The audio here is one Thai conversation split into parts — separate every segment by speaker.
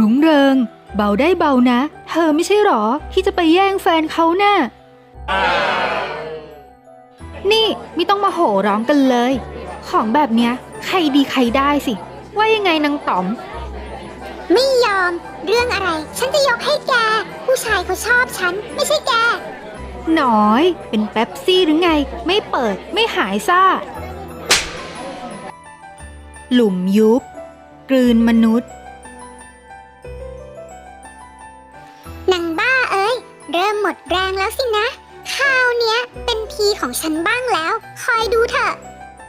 Speaker 1: รุ้งเริงเบาได้เบานะเธอไม่ใช่หรอที่จะไปแย่งแฟนเขาน่ะนี่ไม่ต้องมาโห่ร้องกันเลยของแบบเนี้ยใครดีใครได้สิว่ายังไงนางต๋อม
Speaker 2: ไม่ยอมเรื่องอะไรฉันจะยกให้แกผู้ชายเขาชอบฉันไม่ใช่แก
Speaker 1: หน้อยเป็นเป๊ปซี่หรือไงไม่เปิดไม่หายซ่าหลุมยุบกลืนมนุษย์
Speaker 2: นางบ้าเอ้ยเริ่มหมดแรงแล้วสินะคราวเนี้ยเป็นทีของฉันบ้างแล้วคอยดูเถอะ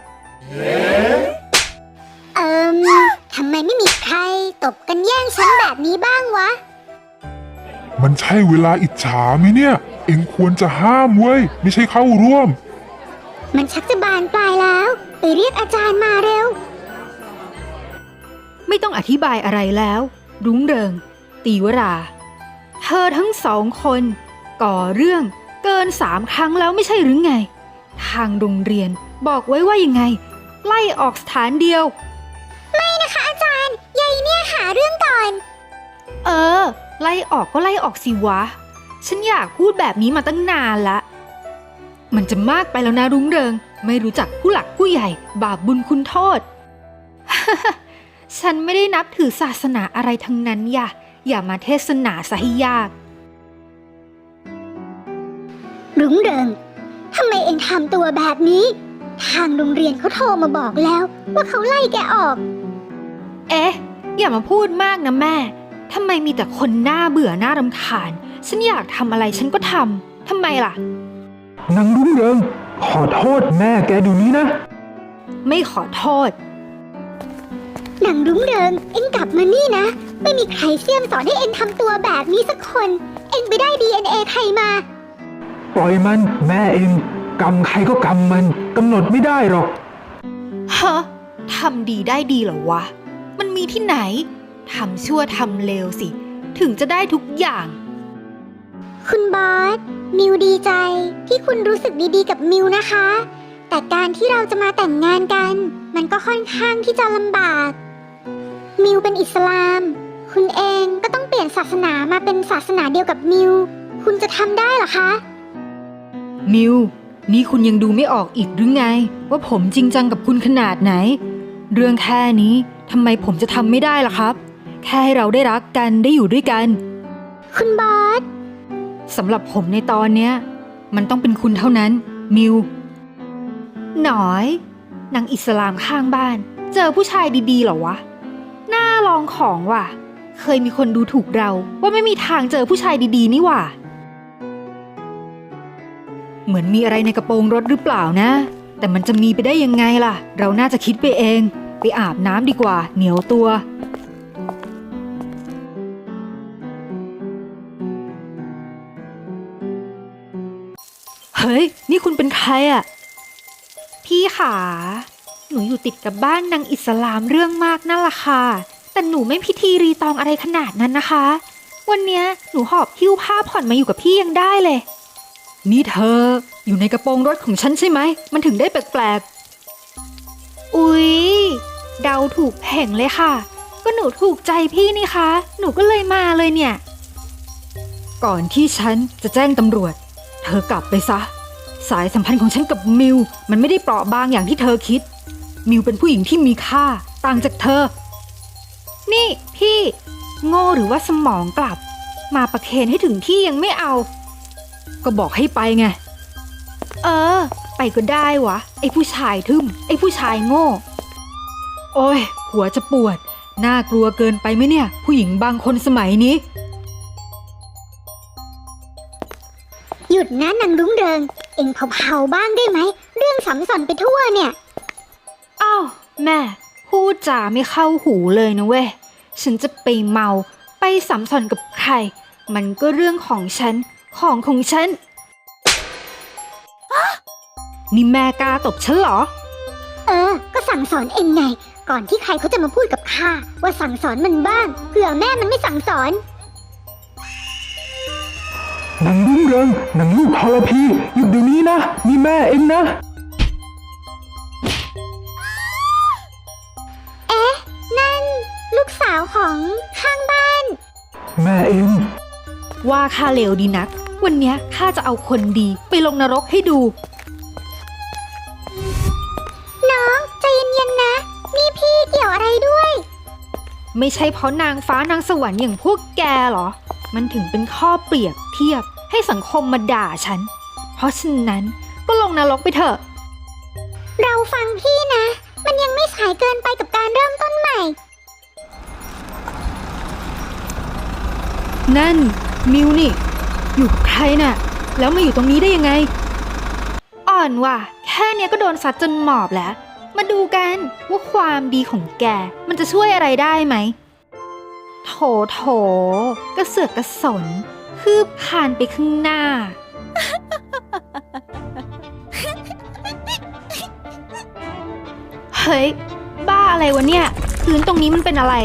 Speaker 2: ทำไมไม่มีใครตบกันแย่งฉันแบบนี้บ้างวะ
Speaker 3: มันใช่เวลาอิจฉาไหมเนี่ยเอ็งควรจะห้ามเว้ยไม่ใช่เข้าร่วม
Speaker 2: มันชักจะบานปลายแล้วไปเรียกอาจารย์มาเร็ว
Speaker 1: ไม่ต้องอธิบายอะไรแล้วรุ้งเริงตีวราเธอทั้งสองคนก่อเรื่องเกิน3 ครั้งแล้วไม่ใช่หรือไงทางโรงเรียนบอกไว้ว่ายังไงไล่ออกสถานเดียว
Speaker 2: ไม่นะคะอาจารย์ยายเนี่ยหาเรื่องก่อน
Speaker 1: ไล่ออกก็ไล่ออกสิวะฉันอยากพูดแบบนี้มาตั้งนานละมันจะมากไปแล้วนะรุ้งเริงไม่รู้จักผู้หลักผู้ใหญ่บาปบุญคุณโทษ ฉันไม่ได้นับถือศาสนาอะไรทั้งนั้นอย่ามาเทศนาซะให้ยาก
Speaker 2: รุ้งเริงทำไมเอ็งทำตัวแบบนี้ทางโรงเรียนเขาโทรมาบอกแล้วว่าเขาไล่แกออก
Speaker 1: อย่ามาพูดมากนะแม่ทำไมมีแต่คนหน้าเบื่อหน้ารำคาญฉันอยากทำอะไรฉันก็ทำทำไมล่ะ
Speaker 4: นางรุ่งเรืองขอโทษแม่แกดูนี้นะ
Speaker 1: ไม่ขอโทษ
Speaker 2: นางรุ่งเรืองเอ็งกลับมานี่นะไม่มีใครเสี่ยมสอนให้เอ็งทำตัวแบบนี้สักคนเอ็งไปได้ DNA ใครมา
Speaker 4: ปล่อยมันแม่เองกรรมใครก็กรรมมันกำหนดไม่ได้หรอก
Speaker 1: ฮะทำดีได้ดีเหรอวะมันมีที่ไหนทำชั่วทำเลวสิถึงจะได้ทุกอย่าง
Speaker 2: คุณบอสมิวดีใจที่คุณรู้สึกดีๆกับมิวนะคะแต่การที่เราจะมาแต่งงานกันมันก็ค่อนข้างที่จะลำบากมิวเป็นอิสลามคุณเองก็ต้องเปลี่ยนศาสนามาเป็นศาสนาเดียวกับมิวคุณจะทำได้เหรอคะ
Speaker 1: มิวนี่คุณยังดูไม่ออกอีกหรือไงว่าผมจริงจังกับคุณขนาดไหนเรื่องแค่นี้ทำไมผมจะทำไม่ได้ล่ะครับแค่ให้เราได้รักกันได้อยู่ด้วยกัน
Speaker 2: คุณบอส
Speaker 1: สำหรับผมในตอนเนี้ยมันต้องเป็นคุณเท่านั้นมิวหน่อยนางอิสลามข้างบ้านเจอผู้ชายดีๆเหรอวะน่าลองของว่ะเคยมีคนดูถูกเราว่าไม่มีทางเจอผู้ชายดีๆนี่ว่ะเหมือนมีอะไรในกระโปรงรถหรือเปล่านะแต่มันจะมีไปได้ยังไงล่ะเราน่าจะคิดไปเองไปอาบน้ำดีกว่าเหนียวตัวเฮ้ยนี่คุณเป็นใครอ่ะพี่ขาหนูอยู่ติดกับบ้านนางอิสลามเรื่องมากนั่นล่ะค่ะแต่หนูไม่พิธีรีตองอะไรขนาดนั้นนะคะวันเนี้ยหนูหอบหิ้วผ้าผ่อนมาอยู่กับพี่ยังได้เลยนี่เธออยู่ในกระโปรงรถของฉันใช่ไหมมันถึงได้แปลกๆอุ๊ยเดาถูกแห่งเลยค่ะก็หนูถูกใจพี่นี่คะหนูก็เลยมาเลยเนี่ยก่อนที่ฉันจะแจ้งตำรวจเธอกลับไปซะสายสัมพันธ์ของฉันกับมิวมันไม่ได้เปราะบางอย่างที่เธอคิดมิวเป็นผู้หญิงที่มีค่าต่างจากเธอนี่พี่โง่หรือว่าสมองกลับมาประเคนให้ถึงที่ยังไม่เอาก็บอกให้ไปไงไปก็ได้วะไอ้ผู้ชายทึ่มไอ้ผู้ชายโง่โอ้ยหัวจะปวดน่ากลัวเกินไปไหมเนี่ยผู้หญิงบางคนสมัยนี้
Speaker 2: หยุดนะนางรุ้งเริงเอ็งเผาๆบ้างได้ไหมเรื่องสัมสอนไปทั่วเนี่ย
Speaker 1: อ้าวแม่พูดจาไม่เข้าหูเลยนะเว้ยฉันจะไปเมาไปสัมสอนกับใครมันก็เรื่องของฉันของฉันนี่แม่กล้าตบฉันเหรอ
Speaker 2: ก็สั่งสอนเอ็งไงก่อนที่ใครเขาจะมาพูดกับข้าว่าสั่งสอนมันบ้างเผื่อแม่มันไม่สั่งสอน
Speaker 4: นางรุ่งเรืองนางลูกทรพีหยุดเดี๋ยวนี้นะนี่แม่เองนะ
Speaker 2: นั่นลูกสาวของข้างบ้าน
Speaker 4: แม่เอง
Speaker 1: ว่าข้าเลวดีนัก วันเนี้ยข้าจะเอาคนดีไปลงนรกให้ดู
Speaker 2: น้องใจเย็นๆนะ นี่พี่เกี่ยวอะไรด้วย
Speaker 1: ไม่ใช่เพราะนางฟ้านางสวรรค์อย่างพวกแกเหรอ มันถึงเป็นข้อเปรียบเทียบให้สังคมมาด่าฉัน เพราะฉะนั้นก็ลงนรกไปเถอะ
Speaker 2: เราฟังพี่นะ มันยังไม่สายเกินไปกับการเริ่มต้นใหม่
Speaker 1: นั่นมิวนี่ อยู่กับใครน่ะ แล้วมาอยู่ตรงนี้ได้ยังไง อ่อนว่ะ แค่เนี้ยก็โดนซัดจนหมอบแล้ว มาดูกันว่าความดีของแกมันจะช่วยอะไรได้ไหม โถโถกระเสือกกระสน คืบคลานไปข้างหน้า เฮ้ย บ้าอะไรวะเนี่ย พื้นตรงนี้มันเป็นอะไร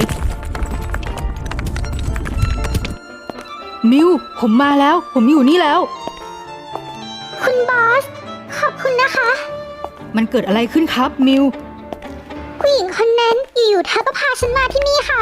Speaker 1: มิว ผมมาแล้ว ผมอยู่นี่แล้ว
Speaker 2: คุณบอส ขอบคุณนะคะ
Speaker 1: มันเกิดอะไรขึ้นครับมิว
Speaker 2: ผู้หญิงคนนั้นอยู่ๆเธอก็พาฉันมาที่นี่ค่ะ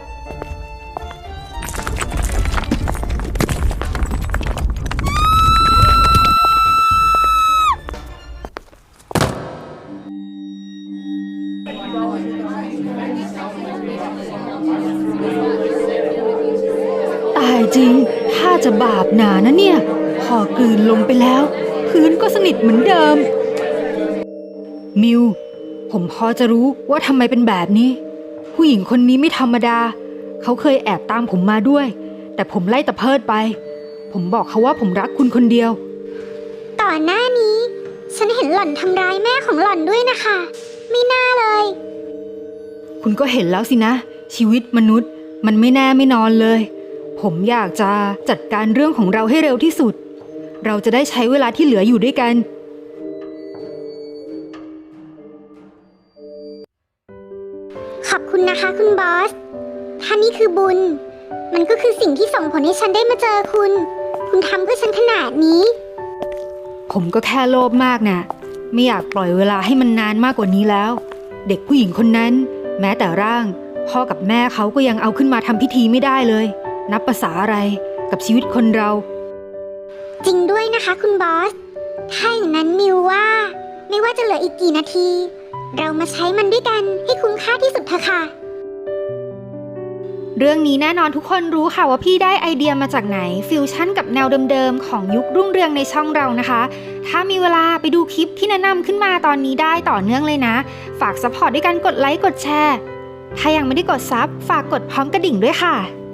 Speaker 1: ตายจริง ถ้าจะบาปหนานะเนี่ย พอกลืนลงไปแล้ว พื้นก็สนิทเหมือนเดิม มิว ผมพอจะรู้ว่าทำไมเป็นแบบนี้ ผู้หญิงคนนี้ไม่ธรรมดา เขาเคยแอบตามผมมาด้วย แต่ผมไล่ตะเพิดไป ผมบอกเขาว่าผมรักคุณคนเดียว
Speaker 2: ก่อนหน้านี้ ฉันเห็นหล่อนทำร้ายแม่ของหล่อนด้วยนะคะ ไม่น่าเลย
Speaker 1: คุณก็เห็นแล้วสินะ ชีวิตมนุษย์มันไม่แน่ไม่นอนเลย ผมอยากจะจัดการเรื่องของเราให้เร็วที่สุด เราจะได้ใช้เวลาที่เหลืออยู่ด้วยกัน
Speaker 2: ขอบคุณนะคะคุณบอส ถ้านี่คือบุญ มันก็คือสิ่งที่ส่งผลให้ฉันได้มาเจอคุณ คุณทำเพื่อฉันขนาดนี้
Speaker 1: ผมก็แค่โลภมากนะไม่อยากปล่อยเวลาให้มันนานมากกว่านี้แล้ว เด็กผู้หญิงคนนั้น แม้แต่ร่าง พ่อกับแม่เขาก็ยังเอาขึ้นมาทำพิธีไม่ได้เลย นับภาษาอะไรกับชีวิตคนเรา
Speaker 2: จริงด้วยนะคะคุณบอส ถ้าอย่างนั้นมิวว่า ไม่ว่าจะเหลืออีกกี่นาที เรามาใช้มันด้วยกันให้คุ้มค่าที่สุดเถอะค่ะ
Speaker 1: เรื่องนี้แน่นอนทุกคนรู้ค่ะว่าพี่ได้ไอเดียมาจากไหนฟิวชั่นกับแนวเดิมๆของยุครุ่งเรืองในช่องเรานะคะ ถ้ามีเวลาไปดูคลิปที่แนะนำขึ้นมาตอนนี้ได้ต่อเนื่องเลยนะ ฝากซัพพอร์ตด้วยการกดไลค์กดแชร์ ถ้ายังไม่ได้กดซับฝากกดพร้อมกระดิ่งด้วยค่ะ